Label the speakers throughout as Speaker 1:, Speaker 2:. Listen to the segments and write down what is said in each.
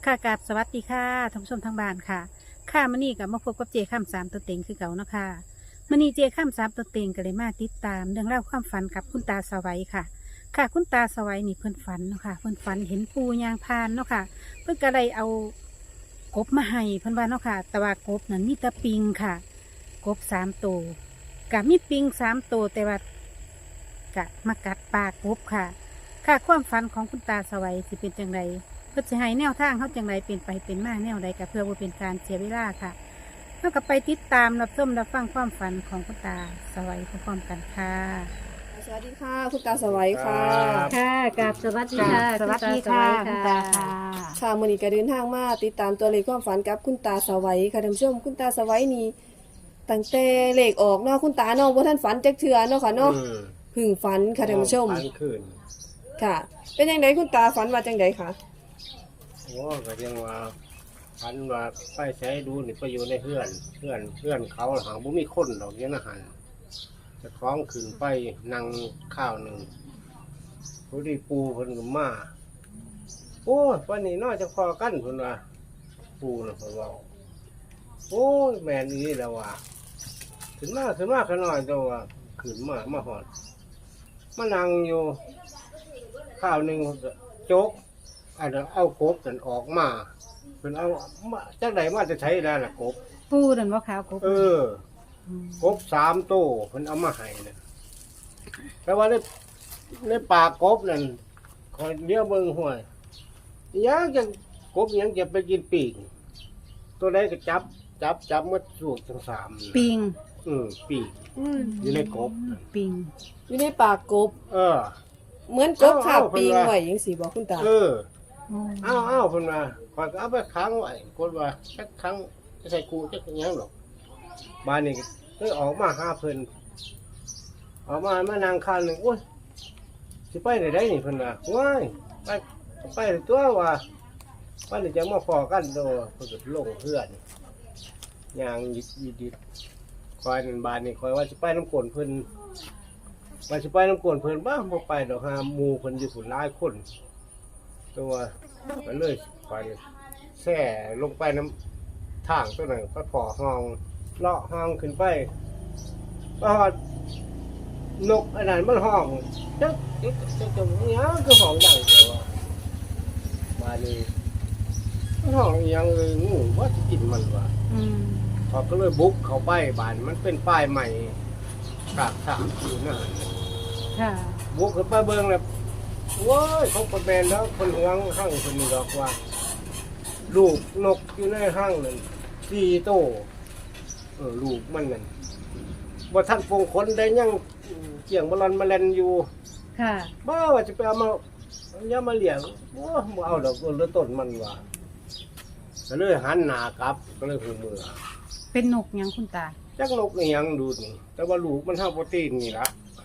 Speaker 1: ค่ะกราบสวัสดีค่ะท่านผู้ชมทางบ้านค่ะค่ะมื้อนี้ก็มาพบกับเจข้ามสามตัวเต็งคือเก่าเนาะค่ะมื้อนี้เจข้ามสามตัวเต็งก็เลยมาติดตามเรื่องเล่าวความฝันกับคุณตาสวัยค่ะ ค่ะคุณตาสวัยนี่เพิ่นฝันเนาะค่ะเพิ่นฝันเห็นปูยางพานเนาะค่ะเพิ่นก็เลยเอากบมาให้เพิ่นว่าเนาะค่ะแต่ว่ากบนั้นมีแต่ปิงค่ะ กบ3 ตัวกับมีปิง3 ตัวแต่ว่ากะมากัดปากกบค่ะ ค่ะความฝันของคุณตาสวัยสิเป็นจังไรเพื่อจะให้แนวทางเขาจังไรเป็นไปเป็นมาแนวใดกับเพื่อว่าเป็นการเสียเวลาค่ะเท่ากับไปติดตามรับชมรับฟังความฝันของคุณตาสวัยพร้อมๆกันค่ะ
Speaker 2: สวัสดีค่ะคุณตาสวัยค่ะ
Speaker 1: ค่ะกับสวัสดีค่ะสวัสดีค่ะคุณตาค่ะ
Speaker 2: ค่ะมื้อนี้ก็เดินทางมาติดตามตัวเลขความฝันกับคุณตาสวัยค่ะท่านผู้ชมคุณตาสวัยนี่ตั้งแต่เลขออกเนาะคุณตาเนาะบ่ทันฝันจักเทื่อเนาะค่ะเนาะเพึ่งฝันค่ะท่านผู้ชม
Speaker 3: ฝันคืน
Speaker 2: ค่ะ เป็นจังไดคุณตาฝันว่าจังไดคะ
Speaker 3: โอ้ก็ยังว่าฝันว่าไปใช้ดูนี่ไปอยู่ในเพื่อนเขาหางบ่มีคนดอกเนี้ยนะหันจะคล้องขึ้นไปนั่งข้าวหนึ่งพอดีปูเพิ่นก็มาโอ้ยวันนี้น้อยจะพอกันเพิ่นว่าปูน่ะเพิ่นว่าโอ้ยแม่นอีแล้วว่าขึ้นมาขน่อยตัวว่าขึ้นมาหอดมานั่งอยู่ข้าวหนึ่งโจ๊กอันนั้นเอากบกันออกมาเป็นเอามาจากไหนมาจะใช้ได้ล่ะกบ
Speaker 1: ปูนั่นว่าขาวกบ
Speaker 3: เออกบ3 ตัวเพิ่นเอามาให้นะแต่ว่าในปากกบนั่นคอยเลี้ยวเบิ่งห้วยยังจะกบยังจะไปกินปีกตัวใดก็จับหมดสูกทั้ง3
Speaker 1: ปิง
Speaker 3: ปีกอยู่ในกบ
Speaker 1: ปิง
Speaker 2: อยู่ในปากกบ
Speaker 3: เออ
Speaker 2: เหมือนกบขาบปีงไว้จังซี่บ่คุณตา
Speaker 3: เออเอาเพิ่นว่าข้อยก็เอาไปค้างไว้กดว่าจักครั้งจะใส่กูจักหยังหรอกบ้านนี้ก็ออกมาหาเพิ่นออกมานั่งข้างหนึงโอ้ยสิไปได้นี่เพิ่นว่าว้ายไปตัวว่าว่าจะมาพอกันโดเพิ่นก็ลงเพื่อนย่างยิดคอยนั่นบ้านนี้คอยว่าสิไปน้ำกลเพิ่นว่าสิไปน้ำกลเพิ่นบ้าบ่ไปดอกหาหมู่เพิ่นอยู่พุ่นหลายคนตัวก็เลยไปแช่ลงไปน้ำทางตัวนั้นก็พอห้องเลาะห้องขึ้นไปก็นกอันนั้นมันห้องจักเนี้ยคือห้องดังแต่ว่ามานี่มันห้องอีหยังเลยงูว่าจะกินมันวะเขาก็เลยบุกเข้าไปบ้านมันเป็นป้ายใหม่กากสามอยู่นั่น
Speaker 1: ค่ะ
Speaker 3: บุกขึ้นไปเบิ่งแล้วว้ายเขาประแบนแล้วคนเฮืองห้างคนนี้ดอกว่าลูกนกอยู่ในห้างนั่น4 ตัวลูกมันนั่นบ่ทันฟงขนได้ยังเกี่ยงบอลอนมาเล่นอยู่
Speaker 1: ค่ะ
Speaker 3: บ้าว่าจะไปเอามาอย่ามาเลี้ยงโอ้บ่เอาดอกเรือต้นมันว่าก็เลยหันหน้ากลับก็เลยหูมือ
Speaker 1: เป็นนกหยังคุณตา
Speaker 3: จักนกนี่ยังดูนี่แต่ว่าลูกมันเท่าโปรตีนนี่ละ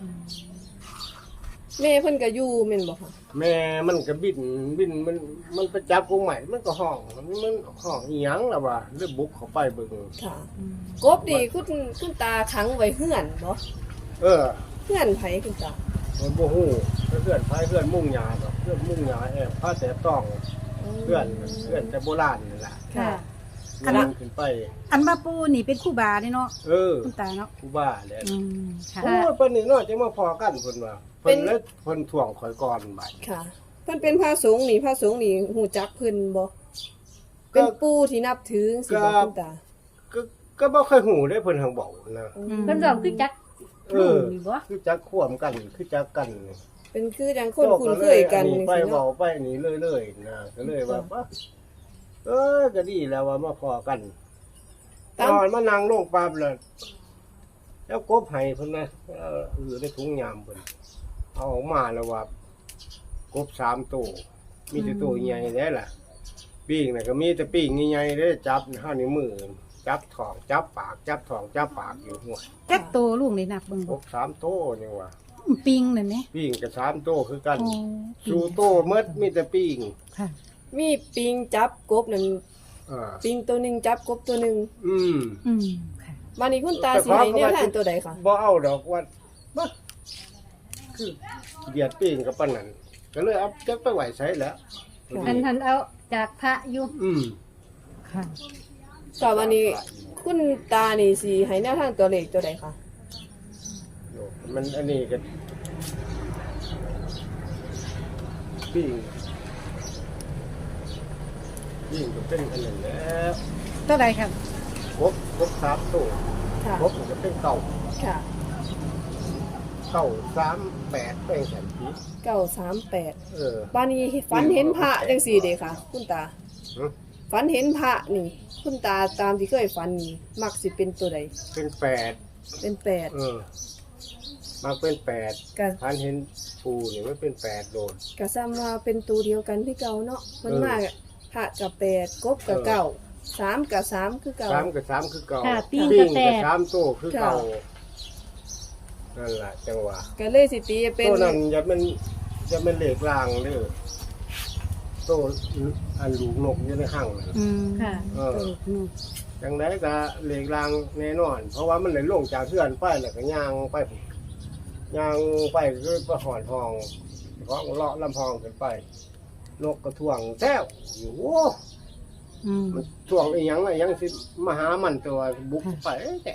Speaker 2: แม่เพิ่นก็อยู่แม่นบ่คะ
Speaker 3: แม่มันก็บินมันไปจับกรงใหม่มันก็ห้องมันห้องอีหยังล่ะว่าเลยบุกเข้าไปเบิ่ง
Speaker 2: ค่ะ กบนี่คุณตาขังไว้เฮือนบ่
Speaker 3: เออ
Speaker 2: เฮือนไผคุณตา
Speaker 3: มันบ่ฮู้เพื่อนพายเพื่อนมุ่งหญ้าดอกเพื่อนมุ่งหญ้าแอบพาแต่ต้องเพื่อนแต่โบราณนี่ล่ะ
Speaker 1: ค่ะ
Speaker 3: อันนั้นขึ้นไป
Speaker 1: อันมาปูนี่เป็นคู่บาเนาะ
Speaker 3: เออ
Speaker 1: คุณตาเนาะ
Speaker 3: กูบ้าแหละ
Speaker 1: ค่ะ
Speaker 3: โอ้ยปานนี้เนาะจะมาพอกันเพิ่นว่าเพิ่นเลยเพิ่นถ่วงข่อยก่อนบัด
Speaker 2: ค่ะเพิ่นเป็นพระสงฆ์นี่ฮู้จักเพิ่นบ่เป็นปู่ที่นับถือสิบ่คุณตา
Speaker 3: ก็บ่เคยหูได้เพิ่นทางบอกนะ
Speaker 1: เพิ่นบอกคือจัก
Speaker 3: เออคือจักควมกันคือจักกันนี่
Speaker 2: เป็นคือจังคนคุ้นเคยกัน
Speaker 3: นี่
Speaker 2: นี่
Speaker 3: ไป
Speaker 2: สิ
Speaker 3: เว้า
Speaker 2: เนาะ
Speaker 3: ไปนี่เรื่อยๆนะก็เลยว่าปะก็ดีแล้วว่ามาพอกันตอนมานั่งลงปั๊บแล้วแล้วกบให้เพิ่นนะอยู่ในถุงยามเพิ่นเอาออกมาแล้วว่ากบ3 ตัวมีแต่ตัวใหญ่แท้ล่ะปิ้งน่ะก็มีแต่ปิ้งใหญ่ๆเด้จับเฮานิ้วมือจับท้องจับปากจับท้องจับปากอยู่หัว
Speaker 1: จักโตลูกเลยนับเบิ่ง
Speaker 3: ก
Speaker 1: บ่
Speaker 3: บ3 ตัวนี่ว่า
Speaker 1: ปิงนั่นแหม
Speaker 3: ปิ้งก็3 ตัวคือกัน
Speaker 1: โอ้
Speaker 3: สู่โตหมดมีแต่ปิ้ง
Speaker 1: ค่ะ
Speaker 2: มีปิงจับกบนั่น
Speaker 3: อ่า
Speaker 2: ปิงตัวหนึงจับกบตัวหนึง
Speaker 3: อืม
Speaker 1: ค่ะ
Speaker 2: บัดนี้คุณตาสิให้แนวทางตัวใดคะ
Speaker 3: บ่เอาดอกว่าบ่คือเดียดปิ้งกับปานนั้นก็เลยเอาจักไปไหวใช้แล้ว
Speaker 1: ทันเอาจากพระอยู่ ค่ะ
Speaker 2: ค่ะวันนี้คุณตานี่สิให้แนวทางตัวเลขตัวใดคะ
Speaker 3: โยมันอันนี้ก็ปิ้งก็เป็นอันนั้นแล้ว
Speaker 1: ตัวใดครับ
Speaker 3: กบ3ตัว
Speaker 2: ค่ะ
Speaker 3: กบมันก็เป็นเก่า
Speaker 2: ค่ะ
Speaker 3: 38เป็นแสนปี
Speaker 2: 938บ้านนี้ฝันเห็นพระจังซี่เด้ค่ะ คุณตา
Speaker 3: หึ
Speaker 2: ฝันเห็นพระนี่ คุณตาตามที่เคยฝันนี่มักสิเป็นตัวใด
Speaker 3: เป็น8
Speaker 2: เป็น8
Speaker 3: มาเป็น8
Speaker 2: ก็
Speaker 3: พันเห็นปูนี่มันเป็น8โดน
Speaker 2: ก็ซ้ำว่าเป็นตัวเดียวกันที่เก่าเนาะมันมากพระกับ8กบกับเก้า3กับ3คือเก่า
Speaker 3: 3กับ3คือเก่า
Speaker 1: ค่ะปิ้ง
Speaker 3: ปิ้
Speaker 1: กับ
Speaker 3: ง
Speaker 1: แป
Speaker 3: กับ
Speaker 1: ด
Speaker 3: 3ตัวคือเก่า
Speaker 2: ค่ะ
Speaker 3: นั่นล่ะจังหวะ
Speaker 2: ก็เลยสิตีเป็น
Speaker 3: ตัวนั้นอย่ามันเหล็กรางเด้อตัวอันลูกนกอยู่ในห้างนั่น
Speaker 1: ค่ะ
Speaker 3: เออจังไดก็เหล็กรางแน่นอน เพราะว่ามันได้ลงจากเพื่อนไปแล้วก็ย่างไปคือไปหอนทองของเลาะลำพองขึ้นไป นกกระท่วงแท้วอยู่โอ้มันท่วงอีหยังสิมาหามันตัวบุกไปแต่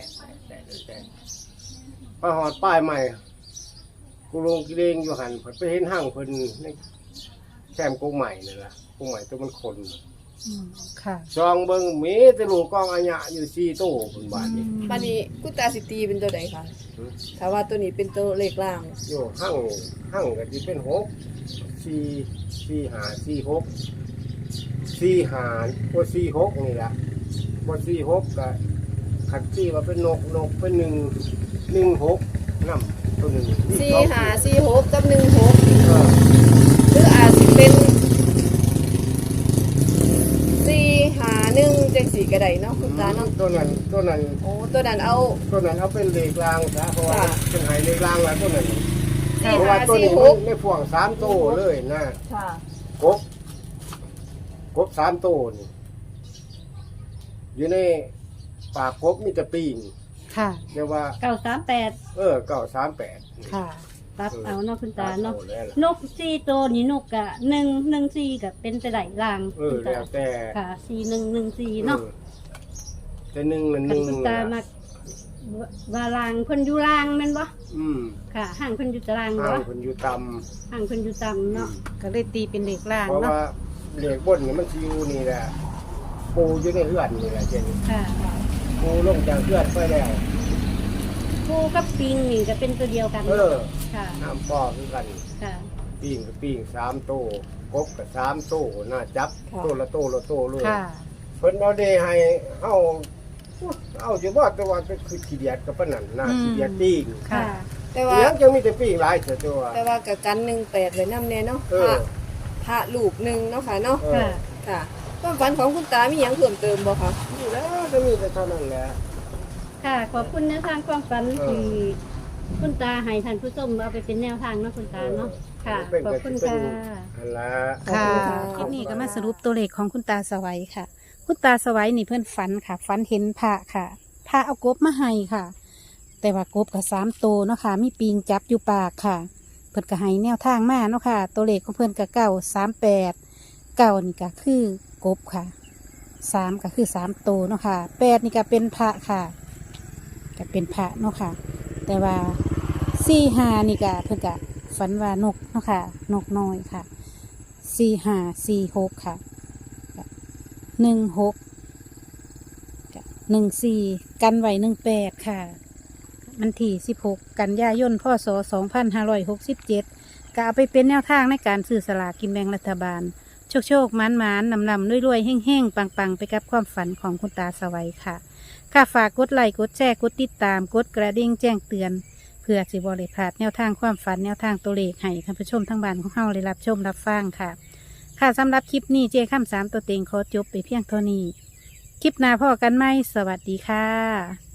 Speaker 3: ไปหอดป้ายใหม่กูลงกิเลงอยู่หันไปเห็นห้างเพิ่นในแคมป์กุ้งใหม่นั่นล่ะกุ้งใหม่ตัวมันคน
Speaker 1: ค่ะ
Speaker 3: ซองเบิ่งมีแต่ลูกกองอัญญะอยู่4ตู้เพิ่นว่านี่
Speaker 2: บัดนี้คุณตาสิตีเป็นตัวใดคะ
Speaker 3: หือ
Speaker 2: ถ้าว่าตัวนี้เป็นตัวเลขล่าง
Speaker 3: อยู่ห้างก็สิเป็น4 5 4 6 4 5บ่46นี่ล่ะบ่46ก็คันที่ว่าเป็นนกเป็น1 6นำตัวหนึง
Speaker 2: 4546กับ16
Speaker 3: เออ
Speaker 2: หรืออาจสิเป็น451จังสี่ก็ได้เนาะคุณตาเนาะ
Speaker 3: ตัวนั้น
Speaker 2: โอ้ตัวนั้นเอา
Speaker 3: เอาเป็นเลขรางซะเพราะว่า
Speaker 2: ค่ะ
Speaker 3: เป็นไหเลขรางแล้วตัวนั้น
Speaker 2: สี่
Speaker 3: เพราะ
Speaker 2: ห้า
Speaker 3: ว่าตัว
Speaker 2: สี่
Speaker 3: นี้
Speaker 2: ห
Speaker 3: มัน
Speaker 2: ก
Speaker 3: ในพ่วง3ตู้เลยนะ
Speaker 2: ค่ะ
Speaker 3: กบ3ตู้นี่อยู่ในปากกบมีแต่ปีน
Speaker 1: ค่ะ
Speaker 3: เรียกว่า
Speaker 1: 938
Speaker 3: 938
Speaker 1: ค่ะ ตัดเอาเนาะคุณตาเนาะ
Speaker 3: อแล้วล่ะ
Speaker 1: นก4ตัวนี่นกกะ114ก็เป็นแต่ไหลลาง คุณตา
Speaker 3: แล้วแต่
Speaker 1: ค่ะ4114เนาะ
Speaker 3: แต่หนึ่งนั่นห
Speaker 1: คัน
Speaker 3: นึ่ง
Speaker 1: คุณตามาว่าลางเพิ่นอยู่ลางแม่นบ่
Speaker 3: อืม
Speaker 1: ค่ะห่างเพิ่นอยู่ตาราง
Speaker 3: ห่า
Speaker 1: บ่
Speaker 3: งคนอยู่ต่
Speaker 1: ห่างเพิ่นอยู่ต่ำเนาะ
Speaker 3: ำ
Speaker 1: ก็เลยตีเป็นเลขล่าง
Speaker 3: เพราะ
Speaker 1: เนาะ
Speaker 3: ว่าเหล็กบนนี่มันสิอยู่นี่แหละปูอยู่ในเฮือนนี่แหละเจน
Speaker 1: ค่ะ
Speaker 3: ปูลงจากเฮือนไปแล้ว
Speaker 1: ปูกับปิงนี่ก็เป็นตัวเดียวกัน ค่ะ
Speaker 3: น้ำปอคือกัน
Speaker 1: ค่ะ
Speaker 3: ปิ้งกับปิ้ง3โตกบกับ3โตน่าจับ
Speaker 2: ค่ะ
Speaker 3: โตละโตเลย
Speaker 1: ค่ะ
Speaker 3: เพิ่นเอาเดให้เอาจะว่าแต่ว่าเป็นคือขี้เดียดกับปานนั้นน่าขี้เดียดปิ้ง
Speaker 1: ค่ะ
Speaker 2: แต่ว่า
Speaker 3: เลี้ยงจังมีแต่ปิ้งหลายเสียตัว
Speaker 2: แต่ว่ากับกัน18ไว้นำแน่เนาะ
Speaker 3: เออ
Speaker 2: พระรูปหนึงเนาะค่ะเนาะ
Speaker 1: ค่ะ
Speaker 2: ค่ะความฝันของคุณตามีหยังเพิ่มเติมบ่คะ
Speaker 3: นี่แล้วก็มีแต่เท่านั้นแหละ
Speaker 1: ค่ะ ขอบคุณแนวทางความฝัน
Speaker 3: เออ
Speaker 1: ที่คุณตาให้ท่านผู้ชมเอาไปเป็นแนวทางเนาะคุณตาเนาะ ค่ะ
Speaker 3: เป็น
Speaker 1: ขอบคุณค่ะ
Speaker 3: อันละ
Speaker 1: ค่ะ
Speaker 2: ขอบคุณค่ะ
Speaker 1: คลิปนี้ก็มาสรุปตัวเลขของคุณตาสวัยค่ะ คุณตาสวัยนี่เพื่อนฝันค่ะ ฝันเห็นพระค่ะพระเอากบมาให้ค่ะ แต่ว่ากบกับ3ตัวเนาะค่ะ มีปิงจับอยู่ปากค่ะ เพื่อนก็ให้แนวทางมาเนาะค่ะ ตัวเลขของเพื่อนก็938นี่ก็คือกบค่ะ3ก็คือ3ตัวเนาะค่ะ8นี่ก็เป็นพระค่ะก็เป็นพระเนาะค่ะ แต่ว่า45นี่ก็เพื่อนก็ฝันว่านกเนาะค่ะ นกน้อยค่ะ4546ค่ะ16 14กันไว้18ค่ะมันที่16กันยายนพศ2567ก็เอาไปเป็นแนวทางในการซื้อสลากกินแบ่งรัฐบาล โชคหมานนำรวยๆแห้งๆปังๆไปกับความฝันของคุณตาสวัยค่ะค่ะฝากกดไลค์กดแชร์กดติดตามกดกระดิ่งแจ้งเตือน เพื่อสิบริพลาดแนวทางความฝันแนวทางตัวเลขให้ท่านผู้ชมทั้งบ้านของเฮาได้รับชมรับฟังค่ะ ค่ะสำหรับคลิปนี้เจ้ข้าม3ตัวเต็งขอจบไปเพียงเท่านี้ คลิปหน้าพ่อกันไหมสวัสดีค่ะ